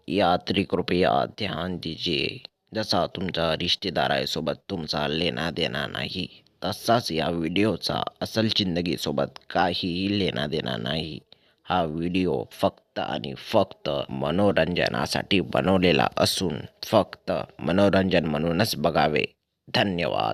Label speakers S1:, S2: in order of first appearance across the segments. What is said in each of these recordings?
S1: यात्री कृपया ध्यान दीजिए. जसा तुमचा रिश्तेदारासोबत तुमचा लेना देना नाही, तसाच या व्हिडिओचा असल जिंदगीसोबत काहीही लेना देना नाही. हा व्हिडिओ फक्त आणि फक्त मनोरंजनासाठी बनवलेला असून फक्त मनोरंजन म्हणूनच बघावे. धन्यवाद.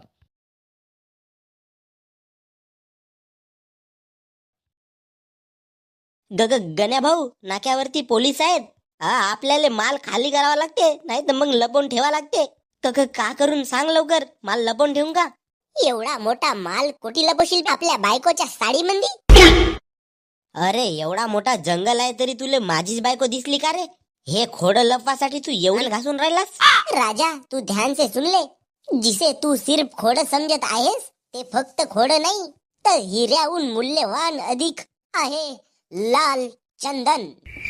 S2: गण्या भाऊ, नाक्यावरती पोलीस आहेत. हा, आपल्याला माल खाली करावा लागते, नाही तर मग लपवून ठेवा लागते. का करून सांग लवकर, माल लपवून ठेवून का?
S3: एवढा मोठा माल कोटी लपवशील आपल्या बायकोच्या साडीमध्ये?
S2: अरे, एवढा मोठा जंगल आहे तरी तुले माझीच बायको दिसली का रे? हे खोड लपवासाठी तू एवढं घासून राहिलास?
S3: राजा, तू ध्यान से सुन ले. जिसे तू सिर्फ खोड समजत आहेस ते फक्त खोड नाही, तर हिऱ्याहून मूल्यवान अधिक आहे लाल चंदन.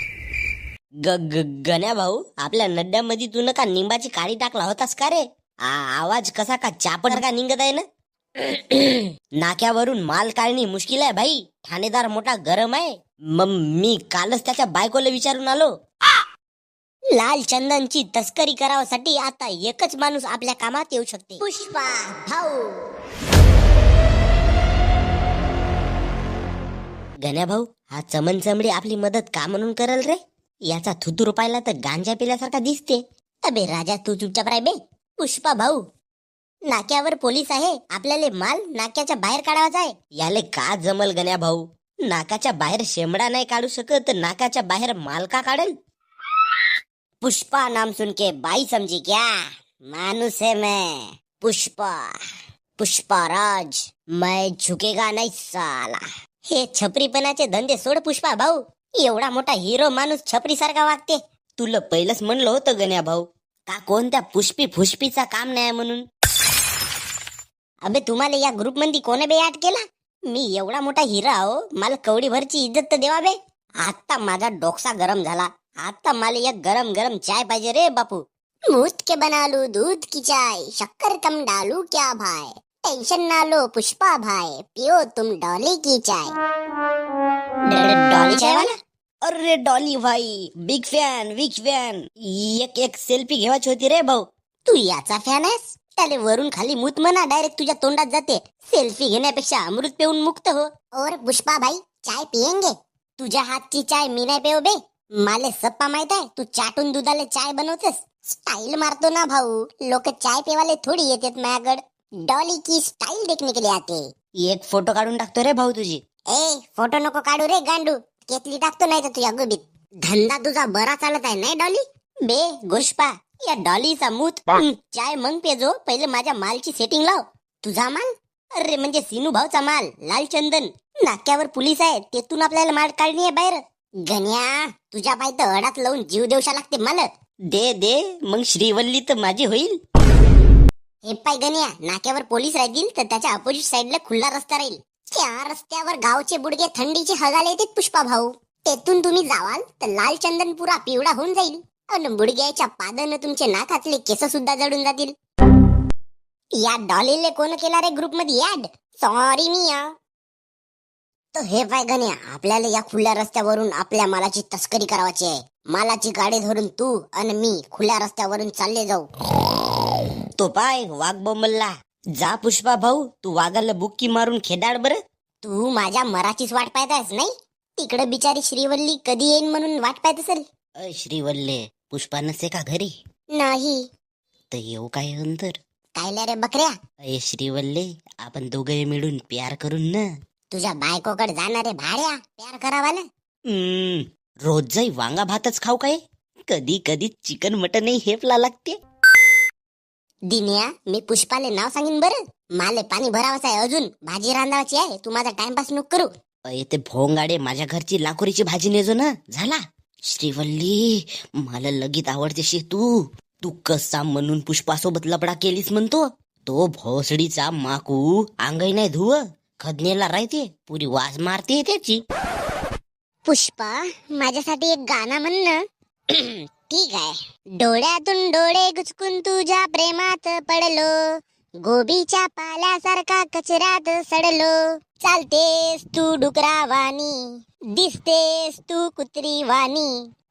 S2: गण्या भाऊ, आपल्या नड्यामध्ये तू का निंबाची काडी टाकला होतास का रे? आवाज कसा का चापट का निघत आहे ना? नाक्यावरून माल काढणी मुश्किल आहे भाई. ठाणेदार मोठा गरम आहे. मी कालच त्याच्या बायकोला विचारून आलो.
S3: लाल चंदनची तस्करी करावासाठी आता एकच माणूस आपल्या कामात येऊ शकते, पुष्पा भाऊ.
S2: गण्या भाऊ, हा चमन चमडी आपली मदत का म्हणून करल रे? याचा थुतूर पाहिला तर गांजा पिल्यासारखा दिसते.
S3: अबे राजा, तू चुपचाप राह बे. पुष्पा भाऊ, नाक्यावर पोलीस आहे, आपल्याला माल नाक्याच्या बाहेर काढावाचा आहे.
S2: याले का जमल गण्या भाऊ? नाकाच्या बाहेर शेमडा नाही काढू शकत, तर नाकाच्या बाहेर माल का काढेल?
S3: पुष्पा नाम सुन के बाई समझी क्या? मानुस है मैं, पुष्पा, पुष्पाराज. मैं झुकेगा नहीं साला. हे छपरीपणाचे धंदे सोड पुष्पा भाऊ. एवढा मोठा हिरो माणूस छपरी सारखा वागते.
S2: तुला पहिलंच म्हणलं होतं गण्या भाऊ, का कोणत्या पुष्पी फुष्पीचा काम नाही म्हणून.
S3: अबे, तुम्हाला या ग्रुप मध्ये कोणी बे ऍड केला? मी एवढा मोठा हिरा हो, मला कवडी भरची इज्जत तर देवा बे. आता माझा डोकसा गरम झाला. आता मला एक गरम गरम चाय पाहिजे रे बापू. मुफ्त के बना लू दूध की चाय, शक्कर कम डालू क्या भाई? टेंशन ना लो पुष्पा भाई, पियो तुम डॉली की चाय. डॉली चाय वाला?
S2: अरे डॉली भाई, बिग फॅन. एक सेल्फी घेवायची होती रे भाऊ.
S3: तू याचा फॅन आहेस? त्याले वरून खाली मूत म्हणा, डायरेक्ट तुझ्या तोंडात जाते. सेल्फी घेण्यापेक्षा अमृत पिऊन मुक्त हो. और पुष्पा भाई, चाय पियेंगे? तुझ्या हातची चाय मी नाही पेव बे. माले सप्पा माहित आहे, तू चाटून दुधाले चाय बनवतेस. स्टाईल मारतो ना भाऊ. लोक चाय पेवाले थोडी येतात माझ्याकडे. डॉली की स्टाईल देखने के लिए आते.
S2: एक फोटो काढून टाकतो रे भाऊ तुझी.
S3: ए, फोटो नको काढू रे गांडू. केतली टाकतो नाही तर तुझ्या गुबीत. धंदा तुझा बरा चालत आहे नाही डॉली? बे गोष्पा, या डॉलीचा मूत चाय मग पेजो. पहिले माझ्या मालची सेटिंग लाव. तुझा माल? अरे म्हणजे सिनू भाऊचा माल, लाल चंदन. नाक्यावर पोलीस आहे, तेथून आपल्याला माल काढणी आहे बाहेर. गण्या, तुझ्या पाय तर अडात लावून जीव देवशा लागते मला.
S2: दे मग श्रीवल्ली तर माझी होईल.
S3: हे पाय गण्या, नाक्यावर पोलीस राहतील तर त्याच्या अपोजिट साइडला खुला रस्ता राहील. त्या रस्त्यावर गावचे बुडगे थंडीचे हगाले येतात पुष्पा भाऊ. तेथून तुम्ही जावाल तर लाल चंदन पुरा पिवळा होऊन जाईल. आणि बुडग्याच्या पादानं तुमचे नाकातले केस सुद्धा जडून जातील. या डॉलीले कोण केला रे ग्रुप मध्ये ऍड? सॉरी मिया. तर हे पाय गण्या, आपल्याला या खुल्या रस्त्यावरून आपल्या मालाची तस्करी करावाची आहे. मालाची गाडी धरून तू आणि मी खुल्या रस्त्यावरून चालले जाऊ.
S2: तो पाय वाघ बोंबलला. जा पुष्पा भाऊ, तू वाघाला बुक्की मारून खेदाड बर.
S3: तू माझ्या मराठीच वाट पाहत आहेस नाही? तिकडे बिचारी श्रीवल्ली कधी येईन म्हणून वाट पाहत असेल.
S2: श्रीवल्ले, पुष्पा नसे का घरी?
S3: नाही.
S2: तर येऊ काय अंतर?
S3: कायला रे बकऱ्या?
S2: श्रीवल्ले, आपण दोघे मिळून प्यार करून ना.
S3: तुझ्या बायकोकडे जाणारे भाड्या प्यार करावाला.
S2: रोज जाई वांगा भातच खाऊ काय? कधी कधी चिकन मटनही हेपला लागते.
S3: दिन्या, मी पुष्पाले नाव सांगीन बरं. माले पाणी भरावाचं आहे, अजून भाजी रांधावाची आहे. तू माझा टाइमपास नको करू.
S2: ते भोंगाडे, माझ्या घरची लाकोरीची भाजी नेजो ना. झाला. श्रीवल्ली, मला लगीत आवडतेशी तू. तू कसा म्हणून पुष्पासोबत लपडा केलीस म्हणतो. तो भोसडीचा माकू अंगाई नाही धुव, खदनेला राहते, पुरी वास मारते त्याची.
S3: पुष्पा, माझ्यासाठी एक गाणं म्हण ना. ठीक आहे. डोळ्यातून डोळे गुचकून तुझ्या प्रेमात पडलो, गोबीच्या पाल्यासारखा कचऱ्यात सडलो. चालतेस तू डुकरावानी, दिसतेस तू कुत्री वाणी,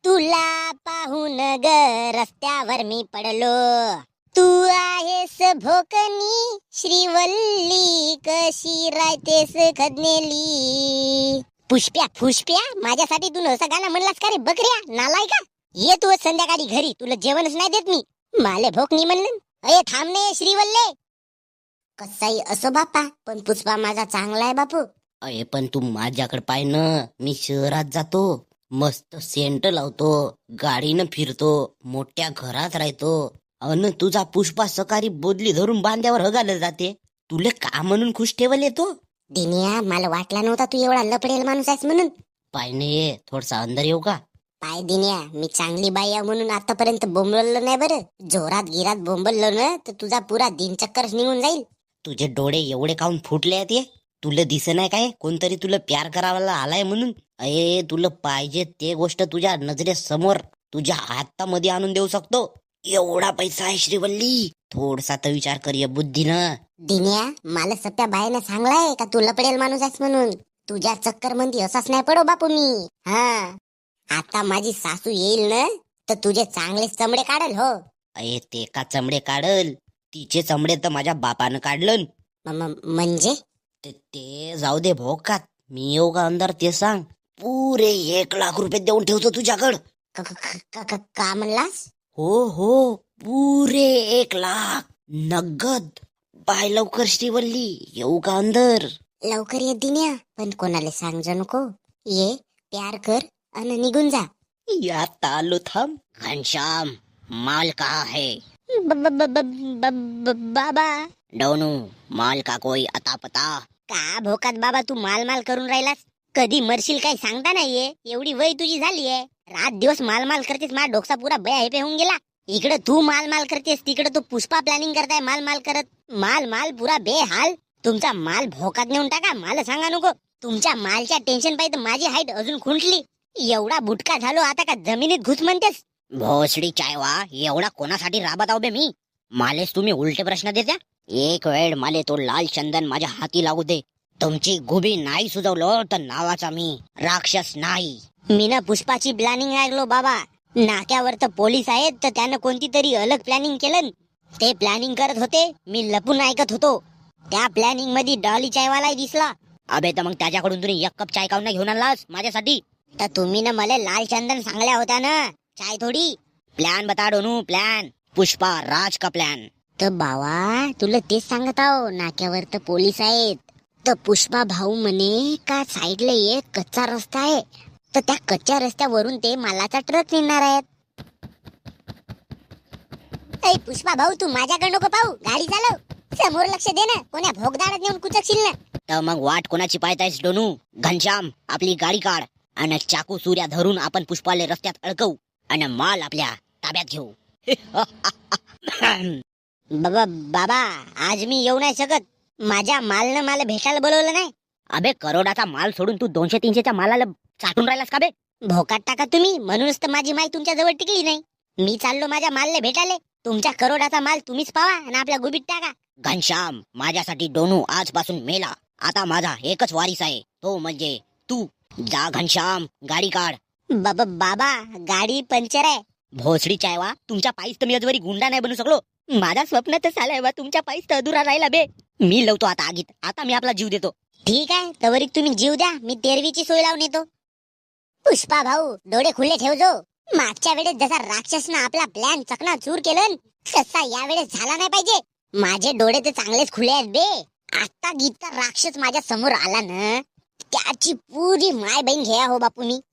S3: तुला पाहून ग रस्त्यावर मी पडलो, तू आहेस भोकनी श्रीवल्ली, कशी राहतेस खदनेली. पुष्प्या फुष्प्या, माझ्यासाठी तू असं गाणं म्हणलास का रे बकऱ्या नालाय का? ये तू संध्याकाळी घरी, तुला जेवणच नाही देत मी. माले भोकनी म्हणलं. अये थांबणे श्रीवल्ले. कसाही असो बापा, पण पुष्पा माझा चांगला आहे बापू.
S2: अरे पण तू माझ्याकडे पाय ना, मी शहरात जातो, मस्त सेंट लावतो, गाडीनं फिरतो, मोठ्या घरात राहतो, अन तुझा पुष्पा सकाळी बोदली धरून बांध्यावर हगायला जाते. तुले का म्हणून खुश ठेवल येतो?
S3: दिनिया, मला वाटला नव्हता तू एवढा लपडेल माणूस आहेस म्हणून.
S2: पाय नाही थोडसा अंदर येऊ का?
S3: पाय दिन्या, मी चांगली बाई आहे म्हणून आतापर्यंत बोंबललो नाही बरं. जोरात गिरात बोंबललो ना तर तुझा पुरा दिनचक्करच निघून जाईल.
S2: तुझे डोळे एवढे काऊन फुटले आहेत? तुला दिसे नाही काय कोणतरी तुला प्यार करायला आलाय म्हणून? अये तुला पाहिजे ते गोष्ट तुझ्या नजरेसमोर तुझ्या हातामध्ये आणून देऊ शकतो. एवढा पैसा आहे श्रीवल्ली, थोडसा तर विचार कर या बुद्धीनं.
S3: दिन्या, मला सप्या बाईनं सांगलाय का तू लपडेल माणूस आहेस म्हणून. तुझ्या चक्कर मध्ये असाच नाही पडो बापू मी. हा, आता माझी सासू येईल ना तर तुझे चांगले चमडे काढल. हो.
S2: अये ते का चमडे काढल? तिचे चमडे तर माझ्या बापानं काढलं.
S3: म्हणजे
S2: ते जाऊ दे भोकात, मी येऊ का अंदर ते सांग. पुरे 1,00,000 रुपये देऊन ठेवतो तुझ्याकडं.
S3: का म्हणलास?
S2: हो, पुरे 1,00,000 नगद. बाय लवकर श्रीवल्ली, येऊ का अंदर?
S3: लवकर ये दिन्या, पण कोणाला सांगजो नको. ये, प्यार कर आणि निघून जा.
S2: यात आलो, थांब. घनश्याम, माल कहाँ है?
S3: बाबा.
S2: डोनू, माल का कोई अता पता?
S3: का भोकात बाबा तू माल माल करून राहिलास? कधी मरशील काही सांगता नाहीये. एवढी वय तुझी झालीये, रात दिवस माल माल करतेस. माझा डोकसा पुरा बया हेपे होऊन गेला. इकडे तू माल माल करतेस, तिकडे तू पुष्पा प्लॅनिंग करताय माल माल करत. माल पुरा बेहाल. तुमचा माल भोकात नेऊन टाका, मला सांगा नको. तुमच्या मालच्या टेन्शन पाहिजे माझी हाईट अजून खुंटली. एवढा बुटका झालो आता का जमिनीत घुस म्हणतेस?
S2: भोसडी चायवा, एवढा कोणासाठी राबत आहो बे मी? मालेस तुम्ही उलटे प्रश्न देत्या. एक वेळ माले तो लाल चंदन माझ्या हाती लागू दे. तुमची गुबी नाही सुजवलं तर नावाचा मी राक्षस नाही.
S3: मी ना पुष्पाची प्लॅनिंग ऐकलो बाबा. नाक्यावर तर पोलीस आहेत तर त्यानं कोणती तरी अलग प्लॅनिंग केलं. ते प्लॅनिंग करत होते, मी लपून ऐकत होतो. त्या प्लॅनिंग मध्ये डॉली चायवालाही दिसला.
S2: अबे तर मग त्याच्याकडून तुम्ही 1 कप चाय काऊन घेऊन आलास माझ्यासाठी?
S3: तर तुम्ही ना मला लाल चंदन सांगल्या होत्या ना, चाय थोडी.
S2: प्लॅन बता डोनू, प्लॅन. पुष्पा राज का प्लॅन.
S3: तर बाबा तुला तेच सांगत आहो, नाक्यावर तर पोलीस आहेत. तर पुष्पा भाऊ म्हणे का साईडला एक कच्चा रस्ता आहे, तर त्या कच्च्या रस्त्यावरून ते मालाचा ट्रक नेणार आहेत. ऐ पुष्पा भाऊ, तू माझ्याकडे नको पाहू, गाडी चालव. समोर लक्ष दे ना, कोण्या भोगदाडात नेऊन कुचकशील ना.
S2: तर मग वाट कोणाची पाहतायस डोनू? घनश्याम, आपली गाडी काढ आणि चाकू सूर्या धरून आपण पुष्पाले रस्त्यात अडकवू आणि माल आपल्या ताब्यात घेऊ.
S3: बाबा आज मी येऊ नाही शकत. माझ्या मालनं मला भेटायला बोलवलं नाही.
S2: अबे करोडाचा माल सोडून तू 200-300च्या मालाला चाटून राहिलास का बे?
S3: भोकात टाका तुम्ही, म्हणूनच तर माझी माई तुमच्या जवळ टिकली नाही. मी चाललो माझ्या मालले भेटाले. तुमच्या करोडाचा माल तुम्हीच पावा आणि आपल्या गुबीत टाका.
S2: घनश्याम, माझ्यासाठी डोनू आजपासून मेला. आता माझा एकच वारीस आहे, तो म्हणजे तू. जा घनश्याम, गाडी काढ.
S3: बाबा गाडी पंक्चर आहे.
S2: भोसडी चायवा, तुमच्या पायीच तर मी अजूनही गुंडा नाही बनू शकलो. माझा स्वप्न तर झालंय बा, तुमच्या पायीच तर अधुरा राहिला बे. मी लावतो आता आगीत. आता मी आपला जीव देतो.
S3: ठीक आहे, तवरीक तुम्ही जीव द्या, मी तेरवीची सोय लावून येतो. पुष्पा भाऊ, डोळे खुले ठेवजो. मागच्या वेळेस जसा राक्षसनं आपला प्लॅन चकनाचूर केलं तसा या वेळेस झाला नाही पाहिजे. माझे डोळे तर चांगलेच खुले आहेत बे. आता गीता राक्षस माझ्या समोर आला ना, त्याची पुरी माय बहीण घ्या हो बापू मी.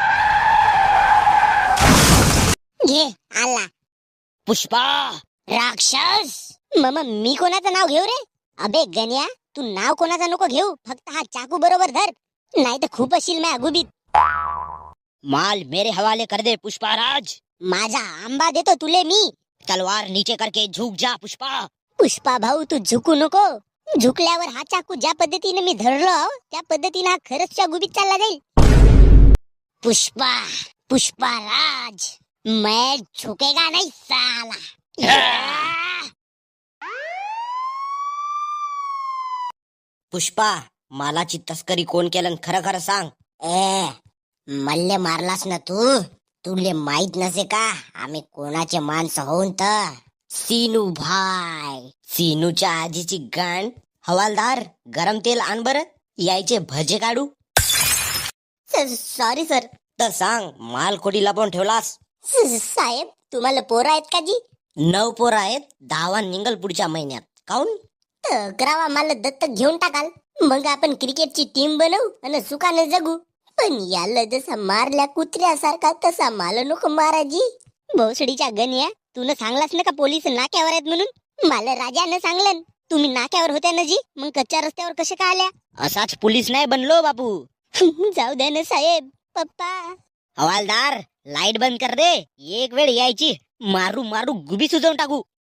S3: घे आला
S2: पुष्पा
S3: राक्षस. मग मी कोणाचं नाव घेऊ रे? अबे गण्या, तू नाव कोणाचं नको घेऊ, फक्त हा चाकू बरोबर धर, नाही तर खूप अशील मैं अगुबीत.
S2: माल मेरे हवाले कर दे पुष्पा राज.
S3: माझा आंबा देतो तुले मी.
S2: तलवार नीचे करके झुक जा पुष्पा.
S3: पुष्पा भाऊ, तू झुकू नको. झुकल्यावर हा चाकू ज्या पद्धतीने मी धरलो त्या पद्धतीने हा खरंच च्या गुबीत चालला जाईल. पुष्पा राज, मैं झुकेगा नहीं साला.
S2: पुष्पा, मालाची तस्करी कोण केलं खरं खरं सांग.
S3: ए, मल्ले मारलास ना तू, तुले माहित नसे का आम्ही कोणाचे माणसं होऊन तर
S2: सीनू भाई, सीनूच्या आजीची गांड. हवालदार, गरम तेल आण बरं, यायचे भजे काढू.
S3: Sorry sir.
S2: तर सांग, माल कोटी लपवून ठेवलास?
S3: साहेब तुम्हाला पोरं आहेत का जी?
S2: 9 पोरं आहेत, 10 निघल पुढच्या महिन्यात. काऊन?
S3: तर 11वा मला दत्तक घेऊन टाकाल, मग आपण क्रिकेटची टीम बनवू आणि सुखाने जगू. पण याला जसा मारल्या कुत्र्यासारखा तसा मला नको माराजी. भोसडीच्या गण्या, तू सांगलास ना का पोलीस नाक्यावर आहेत म्हणून? मला राजानं सांगलं. तुम्ही नाक्यावर होत्या ना जी, मग कच्च्या रस्त्यावर कसे का आल्या?
S2: असाच पोलीस नाही बनलो बापू.
S3: जाऊ द्या ना साहेब. पप्पा
S2: हवालदार, लाईट बंद कर दे. एक वेळ यायची, मारू मारू गुबी सुजवून टाकू.